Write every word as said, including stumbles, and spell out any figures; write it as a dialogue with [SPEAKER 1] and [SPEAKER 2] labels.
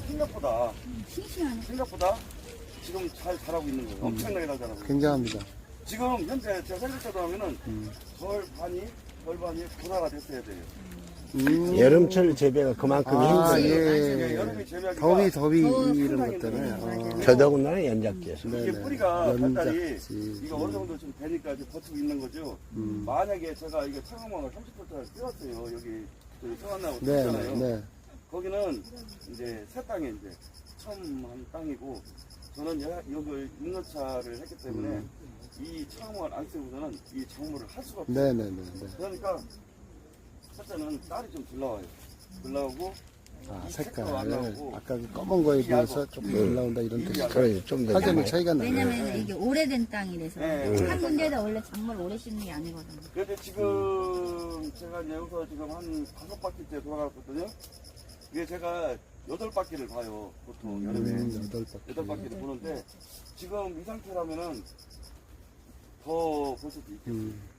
[SPEAKER 1] 생각보다
[SPEAKER 2] 싱싱하네.
[SPEAKER 1] 생각보다 지금 잘 자라고 있는 거예요. 엄청나게 잘 자라고.
[SPEAKER 3] 굉장합니다.
[SPEAKER 1] 지금 현재 제가 생각대로 하면은
[SPEAKER 3] 음.
[SPEAKER 1] 절반이 절반이 분화가 됐어야 돼요.
[SPEAKER 3] 음.
[SPEAKER 4] 여름철 재배가 그만큼
[SPEAKER 3] 아,
[SPEAKER 4] 힘들어요.
[SPEAKER 3] 예.
[SPEAKER 1] 여름에 재배하기가
[SPEAKER 3] 더위, 더위,
[SPEAKER 2] 더워,
[SPEAKER 3] 이런 것
[SPEAKER 1] 상당히
[SPEAKER 3] 때문에.
[SPEAKER 2] 맞아요.
[SPEAKER 3] 어.
[SPEAKER 4] 더더군다나 연작돼서.
[SPEAKER 3] 네.
[SPEAKER 1] 이게
[SPEAKER 3] 네네.
[SPEAKER 1] 뿌리가 발달이
[SPEAKER 3] 연작지.
[SPEAKER 1] 이거 어느 정도 좀 되니까 이제 버티고 있는 거죠.
[SPEAKER 3] 음.
[SPEAKER 1] 만약에 제가 이게 차광망을 삼십 볼트를 띄웠어요. 여기 그 성안나무
[SPEAKER 3] 네,
[SPEAKER 1] 띄웠잖아요.
[SPEAKER 3] 네, 네.
[SPEAKER 1] 거기는 이제 새 땅에 이제 처음 한 땅이고 저는 여- 여기 육 년차를 했기 때문에
[SPEAKER 3] 음.
[SPEAKER 1] 이 차광망을 안 쓰고서는 이 작물을 할 수가 없어요.
[SPEAKER 3] 네, 네, 네, 네.
[SPEAKER 1] 그러니까 첫째는 딸이 좀 덜 나와요. 덜 나오고
[SPEAKER 3] 아,
[SPEAKER 1] 이
[SPEAKER 3] 색깔.
[SPEAKER 1] 색깔 안 나오고
[SPEAKER 3] 아까 그 검은 거에 비해서 조금 덜 나온다 이런
[SPEAKER 1] 이
[SPEAKER 3] 뜻이
[SPEAKER 1] 얇아요.
[SPEAKER 4] 그래, 좀더
[SPEAKER 3] 확연히 차이가 나요.
[SPEAKER 2] 왜냐면 이게 오래된 땅이라서.
[SPEAKER 1] 네.
[SPEAKER 2] 한 군데다 원래 작물 오래 심는 게 아니거든요.
[SPEAKER 1] 그런데 지금 제가 이제 여기서 지금 한 다섯 바퀴째 돌아갔거든요. 이게 제가 여덟 바퀴를 봐요. 보통 여름에
[SPEAKER 3] 음, 여덟 바퀴.
[SPEAKER 1] 여덟 바퀴를 보는데 지금 이 상태라면은 더 볼 수도 있겠어요.
[SPEAKER 3] 음.